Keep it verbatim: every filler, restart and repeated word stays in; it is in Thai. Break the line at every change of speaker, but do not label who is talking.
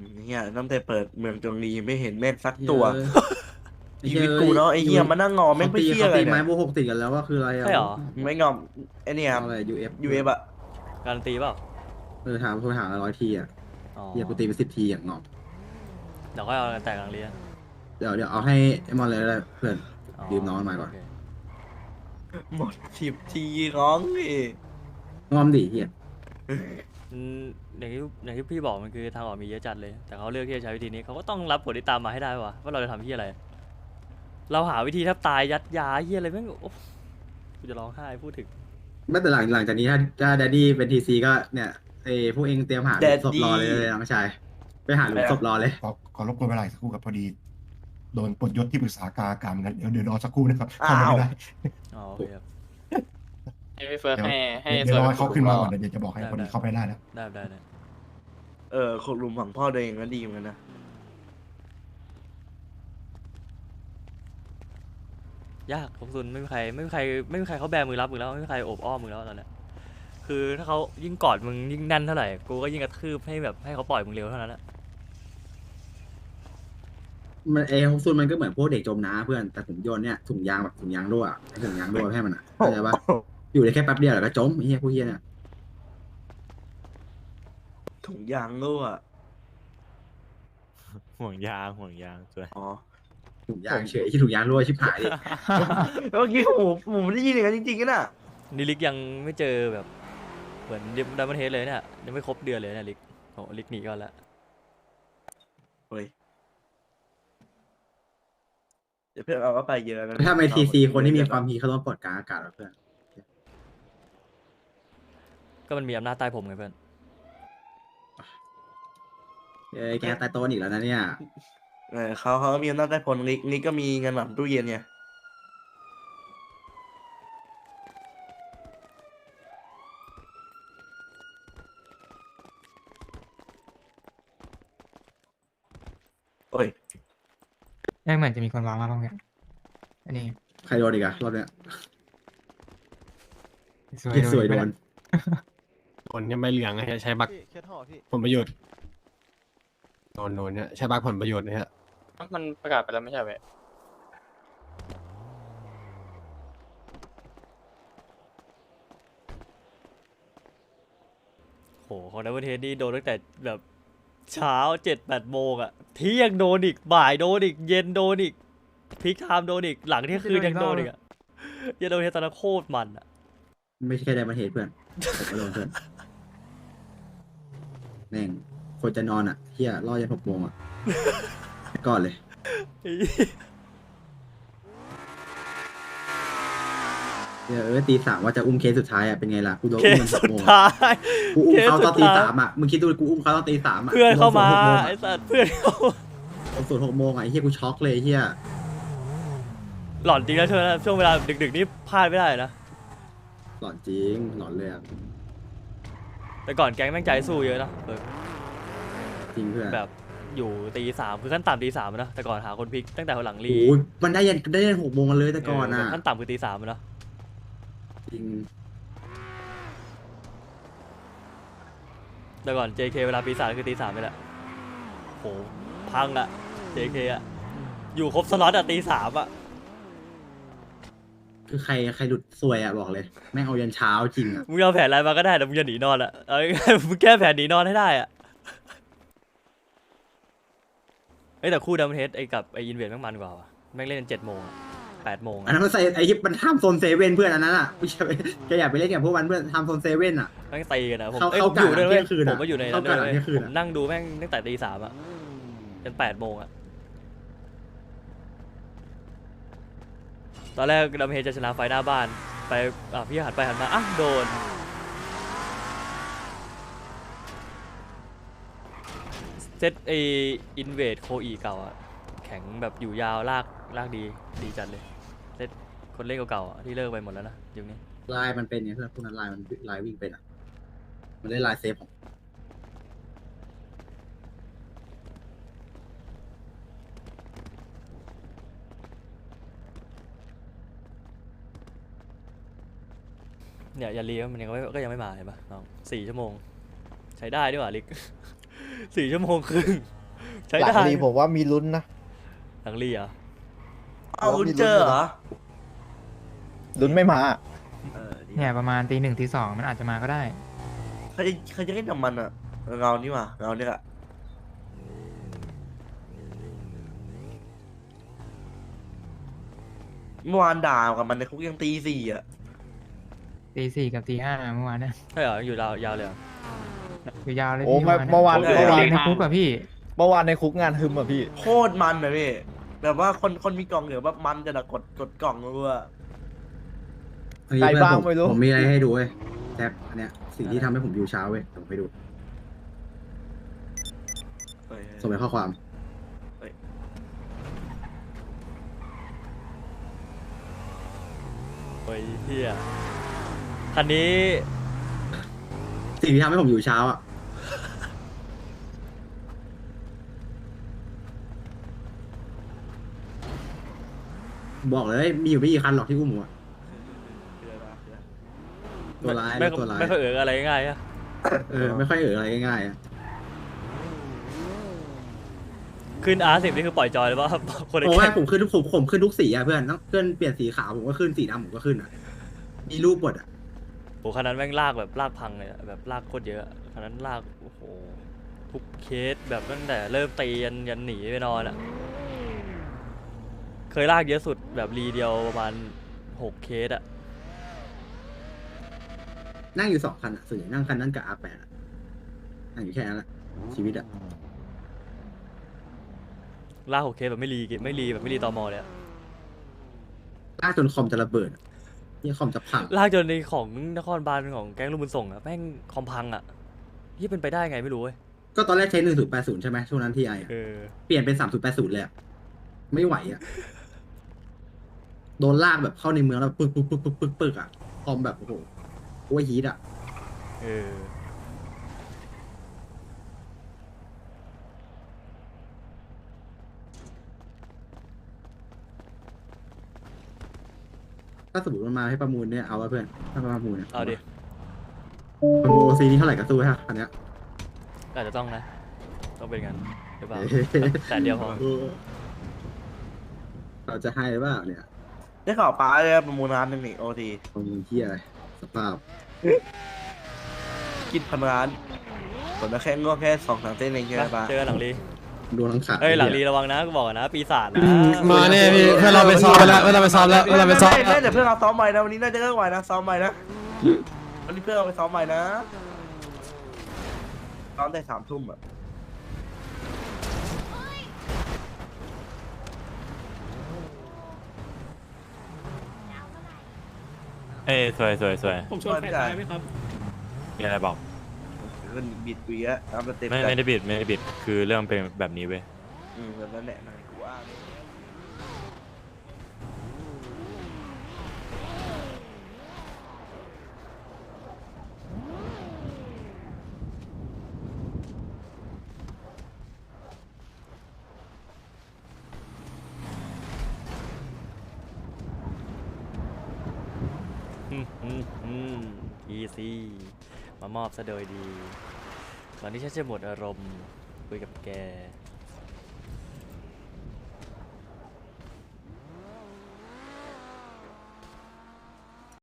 เนี่ยตั้งแต่เปิดเมืองจงรีไม่เห็นแม่งสัก
เฮ้
ตัว
ยไอ้
ชี
เฮ้
วิตกู
ย
เนาะไอ้
ยู
เหี้ยมานั่งงอแม่
เขาตี
งไปเหี้ย
เขาตีไม้
อะไรเนี่ย
โบหกติดกันแล้วว่าคืออะไรอ่ะ
ใช่เหรอ
ไม่งอมไอ้เนี่ย
เอาอะไรยูเอฟ
ยูเอฟอะ
การันตีเปล่า
เออถามโทรหาร้อยทีอ่ะ
อ๋อ
เฮียกูตีไปสิบทีอย่างงอม
เดี๋ยวก็เอากันแตกหลังเรียน
เดี๋ยวเดี๋ยวเอาให้ไอ้มอนเลยแล้วเพื่อนยืมน้องมันมาก่อน
โเค
หมดสิบทีร้องดิ
งอมดิเฮีย
อืมอย่างที่อย่างที่พี่บอกมันคือทางออกมีเยอะจัดเลย แต่เขาเลือกที่จะใช้วิธีนี้เขาก็ต้องรับผลที่ตามมาให้ได้วะว่าเราจะทำที่อะไร เราหาวิธีแทบตายยัดยาเฮียอะไรแม่งโอ้กูจะร้องไห้พูดถึง
ไม่แต่หลังหลังจากนี้ถ้าถ้าแดดดี้เป็นทีซีก็เนี่ยไอ้พวกเองเตรียมหาหลุมศพรอเลยเลยน้องชายไปหาหลุมศพรอเลย
ขอขอรบกวนเวลาอีกสักครู่ครับพอดีโดนปลดยศที่ปรึกษาการการงั้นเดี๋ยวเดี๋ยวรอสักครู่นะครับ
อ้า
เข้าว มาไม่ได้
อ๋อโอเคครับ
ให้พี่เฟิร์ส
เดี๋ยว
ให้ให้
เดี๋ยวรอให้เขาขึ้นมา
ส่
ก่
ว
อนเดี๋ยวจะบอกให้
ได้
พอดี
ได้
เข้าไปได้แล้ว
ได้ได้ได้
เออขุดหลุมฝังพ่อตัวเองก็ดีเหมือนกันนะ
ยากของซุนไม่มีใครไม่มีใครไม่มีใครเขาแบมือรับมึงแล้วไม่มีใครโอบอ้อมมึงแล้วตอนเนี้ยคือถ้าเขายิ่งกอดมึงยิ่งแน่นเท่าไหร่กูก็ยิ่งกระทืบให้แบบให้เขาปล่อยมึงเร็วเท่านั้นแหละ
มันเอของซุนมันก็เหมือนพวกเด็กจมน้ำเพื่อนแต่ผมโยนเนี่ยถุงยางแบบถุงยางรั่วไอ้ถุงยางรั่วให้มันอ่ะเข้าใจปะอยู่ได้แค่แป๊บเดียวแล้วก็จมไอ้เฮียพวกเฮียเนี่ย
ถุงยางรั่ว
ห่วงยางห่วงยางสวย
อ๋อ
ถุงยางเฉยที่ถุงยางรั่วชิบหายดิ
เมื่อกี้ผมผมได้ยินอย่างนั้นจริงๆนะ
นี่ลิกยังไม่เจอแบบเหมือนดัมเบิลเฮดเลยเนี่ยยังไม่ครบเดือนเลยเนี่ยลิกโอ้ลิกหนีก่อนละ
เฮ้ยเดี๋ยวเพื่อนเอาก็ไปเยอะนะ
ถ้าไม่ทีซีคนที่มีความฮีเขาต้องปลดกลางอากาศแล้วเพื่อน
ก็มันมีอำนาจใต้ผมไงเพื่อน
เอ้ยแกตายโตนอีกแล้วนะเนี่ย
เออเขาเขาก็มีอำนาจได้ผลนิกนิกก็มีเงินหลังตู้เย็นไงโอ้ย
ไม่เหมือนจะมีคนวางมาบ้างเนี่ยอันนี้
ใครโดนอีกอะรอบเนี้ย
สวย
เหี้ยสวยโดน
โดนเนี่ยใบเหลืองใช้บักผลประโยชน์โดนโดนเนี่ยใช้บักผลประโยชน์เนี่ย
มันประกาศไปแล้วไม่ใช่ไหม
โหของดัมเบิลเฮดนี่โดนตั้งแต่แบบเช้าเจ็ดแปดโมงอะเที่ยงโดนอีกบ่ายโดนอีกเย็นโดนอีกพีคไทม์โดนอีกหลังเที่ยงคืนยังโดนอีกอะยังโดนเฮดตอนนั้นโคตรมันอะ
ไม่ใช่แค่ไดมอนเฮดเพื่อนผมก็โดนเพื่อนแม่งคนจะนอนอ่ะเฮียรอยันหกโมงอ่ะก่อนเลยเดี๋ยวเออตีสามว่าจะอุ้มเคสสุดท้ายอ่ะเป็นไงล่ะกูโดน
เค
อุ้ม
ส
มันห
สุ
ก
ด
โมง
ท้า
อะ
ย
กูอุ้มเขาตอนตี
เคสสุดท้าย
สามอ่ะมึงคิดดูกูอุ้มเขาตอนตีสามอ่ะ
เพื่อนเข้ามา
กูโดน
ไอ้สัตว์เพื่อนเข้ามา
ผมสูตรหกโมงอ่ะไอ้เฮียกูช็อกเลยไอ้เฮีย
หลอนจริงนะช่วงนั้นช่วงเวลาดึกๆนี่พลาดไม่ได้นะ
หลอนจริงหลอนเลยอ่ะ
แต่ก่อนแก๊งแม่งใจสู้เยอะนะเออ
จริงเพื่อน
แบบอยู่ตีสามคือขั้นต่ำตีสามนะแต่ก่อนหาคนพลิกตั้งแต่หลังรี
โอ้ยมันได้ยันได้ยันหกโมงกันเลยแต่ก่อน
เออ
อ่ะ
ขั้นต่ำคือตีสามนะ
จริง
แต่ก่อน เจ เค เวลาปีศาจคือตีสามนี่แหละโหพังอะ เจ เค อะอยู่ครบสล็อตอะตีสามอะ
คือใครใครหลุดซวยอ่ะบอกเลยแม่งเอายันเช้าจริงอ่ะ
มึงเอาแผนอะไรมาก็ได้แต่มึงอย่าหนีนอนอะเอาง่ายๆมึงแก้แผนหนีนอนให้ได้อะเอ้ยแต่คู่ดัมเบิลเฮดไอ้กับไอ้อินเวดแม่งมันกว่าว่ะแม่งเล่นกันเจ็ดโมงอะแปดโมง
อันนั้นมันใส่ไอ้ที่มันทำโซนเซเว่นเพื่อนอันนั้นอ่ะไม่ใช่แกอยากไปเล่นกับพวกมันเพื่อนทำโซนเซเว่นอ่ะ
แม่งตีกันนะผม
เข้า
เอ้ย
เข้า
ผมอยู่ด้วย
กะ
เว้ย
เที่ยงคืนอะ
ผมก็อยู่ในนั้น
เข้ากะ
ด้วย
เที่ยงคืน
ผ
อะ
มนั่งดูแม่งตั้งแต่ตีสามอะจนแปดโมงอะตอนแรกดัมเบิลเฮดจะชนะไฟหน้าบ้านไปอ่ะพี่หันไปหันมาอ่ะโดนเซตไออินเวดโคอีเก่าอะแข็งแบบอยู่ยาวลากลากดีดีจัดเลยเซตคนเล่นเก่าๆอะที่เลิกไปหมดแล้วนะยุคนี้
ลายมันเป็นไงเพื่อนพวกนั้นลายมันลายวิ่งเป็นอ่ะมันได้ลายเซฟของ
เนี่ยยาลีมันยังไม่ก็ยังไม่มาเห็นปะน้องสี่ชั่วโมง ใช้ได้ด้วยว่ะลิกสี่ชั่วโมงครึ่งใช้
หลัง
ได้
รีผมว่ามีลุ้นนะ
หลังรีเหรอ
เอาคุณเจอเหรอ
ลุ้นไม่มา
เออดี
เนี่ยประมาณตีหนึ่งตีสองมันอาจจะมาก็ได้
ใครจะใครจะเล่นกับมันอะเงานี่หว่าเงาเนี่ยอะเมื่อวานด่ากับมันในคุกยังตีสี่อะ
ตีสี่กับตีห้าเมื่อวานเนี่ย
ใช่เหรออยู่ยาวยาวเลยเหรอ
อยู่ยาวเลย
โอ้
พี่
เมื่อวาน
เมื่อวานในคุกอะพี่
เมื่อวานในคุกงานฮึมอ่ะพี่
โคตรมันเลยพี่แบบว่าคนคนมีกล่องเหลือแบบมันจะนะกดกดกล่องรัว
เฮ้ย
ใคร
เพื่อน
บ้าง
ผม
ไม่รู้
ผมมีอะไรให้ดูเว้ยแท็บอันเนี้ยสิ่งที่ทำให้ผมอยู่เช้าเว้ยผมไปดู
เฮ้ย
ส่งไปข้อความ
โอ้ยเฮียคันนี้
สิ่งที่ทำให้ผมอยู่เช้าอ่ะบอกเลยมีอยู่ไม่กี่คันหรอกที่อุ้มผมอะตัวร้าย
ไม่
แล้วตัวร้าย
ไม่ค่อยเอออะไรง่ายๆอะ
เออไม่ค่อยเอออะไรง่ายๆอะ
ขึ้นอาร์สิบนี่คือปล่อยจอยเลยว่า คนใน
โอ้
แก๊
ย
ง
ผมขึ้นทุกผมผมขึ้นทุกสีอ่ะเพื่อนต้องเพื่อนเปลี่ยนสีขาวผมก็ขึ้นสีดำผมก็ขึ้นอ่ะมีรูปหมดอ่ะ
โอ้คันนั้นแม่งลากแบบลากพังเลยอะแบบลากโคตรเยอะคันนั้นลากโอ้โหทุกเคสแบบตั้งแต่เริ่มตียันยันหนีไปนอนอะเคยลากเยอะสุดแบบรีเดียวประมาณหกเคสอะ
นั่งอยู่สองคันอ่ะส่วนใหญ่นั่งคันนั้นกับอาแปดนั่งอยู่แค่นั้นแหละชีวิตอ่ะ
ลากหกเคสแบบไม่รีไม่รีแบบไม่รีตอมอเลยอะ
ลากจนคอมจะระเบิดอะนี่คอมจะพัง
ลากจนในของนครบาลของแก๊งลูกบุญส่งอะแม่งคอมพังอะที่เป็นไปได้ไงไม่รู้เว้ย
ก็ตอนแรกใช้หนึ่งศูนย์แปดศูนย์ใช่ไหมช่วงนั้นที่ไออะ
เออ
เปลี่ยนเป็นสามศูนย์แปดศูนย์เลยอะไม่ไหวอ่ะโดนลากแบบเข้าในเมืองแล้วปึกปึกปึกปึกปึกปึกอ่ะคอมแบบโอ้โหโอ้ยฮีทอ่ะ
เออ
ถ้าสมมติมันมาให้ประมูลเนี่ยเอาวะเพื่อนถ้ามาประมูลเนี่ย
เอาดิ
ประมูลซีนี้เท่าไหร่ก็สู้ฮะอันเนี้ย
อาจจะต้องนะ ต้องเป็นงั้นหรือเปล่า
เอ๊ะ
แต่เดียวพอ
เราจะให้หรือเปล่าเนี่ย
ได้ข่าวป้าเลยประมูลร้านหนึ่งนี่โอที
ประมูลที่อะไรสภาพ
กินพันร้านผลมาแค่งวกแค่สองสามเส้นเองใช่ไหมป้า
เจอกันหลังรี
ดวงทั้งขา
เอ้ยหลังรีระวังนะกูบอกก่อนนะปีศาจนะ
มาเนี่ยพี่เพื่อนเราไปซ้อมไปแล้วเพื่อนเราไปซ้อมแล้วเพื่อนเราไปซ้อม
ไม่ไม่แต่เพื่อนเราซ้อมใหม่นะวันนี้น่าจะเลิกไหวนะซ้อมใหม่นะวันนี้เพื่อนเราไปซ้อมใหม่นะซ้อมได้สามทุ่มอะ
เอ้ยสวยสวยสวย
ผมชวนใครตายไหมครับ
มีอะไรบอก
เงินบิดวีอะตามสเต็ป
ไม่ไม่ได้บิดไม่ได้บิดคือเรื่องเป็นแบบนี้เว้ย
อืมแบบนั้นแหละนายกูว่า
อืมอืมอืมอีซี่มามอบซะโดยดีตอนนี้ฉันจะหมดอารมณ์คุยกับแก